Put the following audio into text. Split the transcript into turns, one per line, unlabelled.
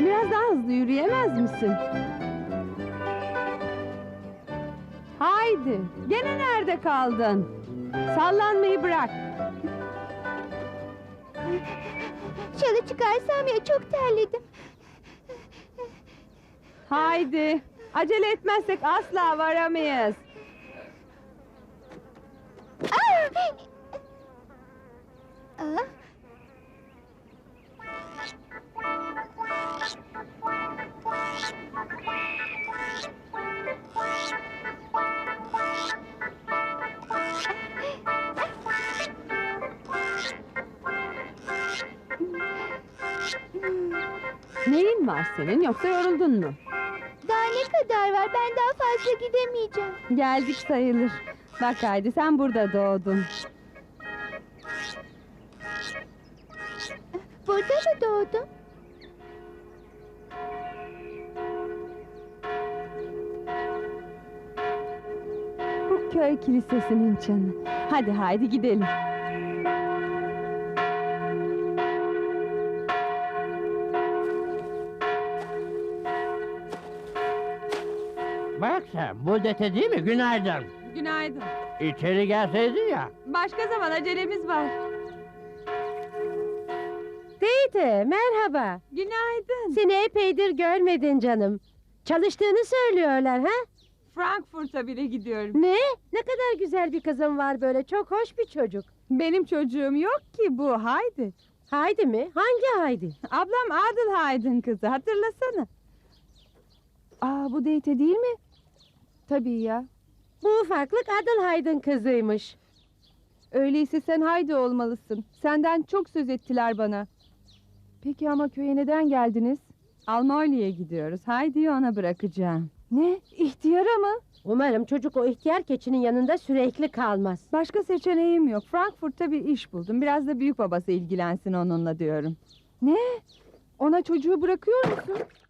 Biraz daha hızlı yürüyemez misin? Haydi, gene nerede kaldın? Sallanmayı bırak.
Şalı çıkarsam ya, çok terledim.
Haydi, acele etmezsek asla varamayız.
Aa!
Neyin var senin, yoksa yoruldun mu?
Daha ne kadar var? Ben daha fazla gidemeyeceğim.
Geldik sayılır. Bak haydi, sen burada doğdun.
Burada mı doğdun?
Bu köy kilisesinin çanı. Hadi haydi gidelim.
Bak sen, bu dete değil mi? Günaydın.
Günaydın.
İçeri gelseydin ya.
Başka zaman, acelemiz var.
Teyze, merhaba.
Günaydın.
Seni epeydir görmedin canım. Çalıştığını söylüyorlar ha?
Frankfurt'a bile gidiyorum.
Ne? Ne kadar güzel bir kızım var böyle. Çok hoş bir çocuk.
Benim çocuğum yok ki bu, haydi.
Haydi mi? Hangi Haydi?
Ablam Adelheid'in kızı, hatırlasana. Aa, bu Date değil mi? Tabii ya.
Bu ufaklık Adelheid'in kızıymış.
Öyleyse sen Haydi olmalısın. Senden çok söz ettiler bana. Peki ama köye neden geldiniz? Almanya'ya gidiyoruz. Haydi'yi ona bırakacağım. Ne? İhtiyara mı?
Umarım çocuk o ihtiyar keçinin yanında sürekli kalmaz.
Başka seçeneğim yok. Frankfurt'ta bir iş buldum. Biraz da büyük babası ilgilensin onunla diyorum. Ne? Ona çocuğu bırakıyor musun?